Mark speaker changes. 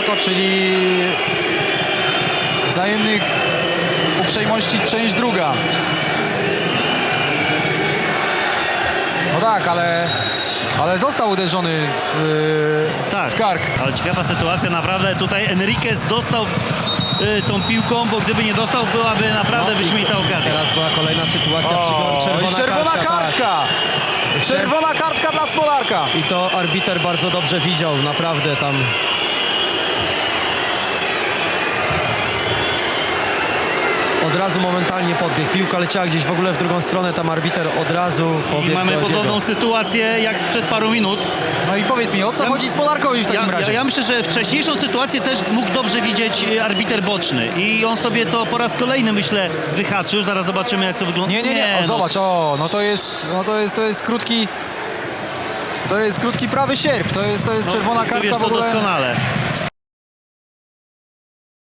Speaker 1: to czyli wzajemnych uprzejmości część druga. No tak, ale został uderzony w kark.
Speaker 2: Ale ciekawa sytuacja, naprawdę tutaj Enriquez dostał tą piłką, bo gdyby nie dostał, byłaby naprawdę wyśmienita okazja.
Speaker 3: Teraz była kolejna sytuacja,
Speaker 1: Czerwona kartka!
Speaker 3: Tak.
Speaker 1: Czerwona kartka dla Smolarka.
Speaker 3: I to arbiter bardzo dobrze widział, naprawdę tam. Od razu momentalnie podbiegł. Piłka leciała gdzieś w ogóle w drugą stronę, tam arbiter od razu
Speaker 2: I
Speaker 3: pobiegł
Speaker 2: mamy
Speaker 3: do Elbiego.
Speaker 2: podobną sytuację jak sprzed paru minut.
Speaker 1: No i powiedz mi, o co chodzi Smolarkowi w takim razie?
Speaker 2: Ja myślę, że wcześniejszą sytuację też mógł dobrze widzieć arbiter boczny i on sobie to po raz kolejny, myślę, wyhaczył. Zaraz zobaczymy, jak to wygląda.
Speaker 1: Nie, o, zobacz, no to jest krótki prawy sierp, to jest czerwona
Speaker 2: Ty
Speaker 1: kartka
Speaker 2: wiesz
Speaker 1: w
Speaker 2: to
Speaker 1: ogóle.
Speaker 2: doskonale.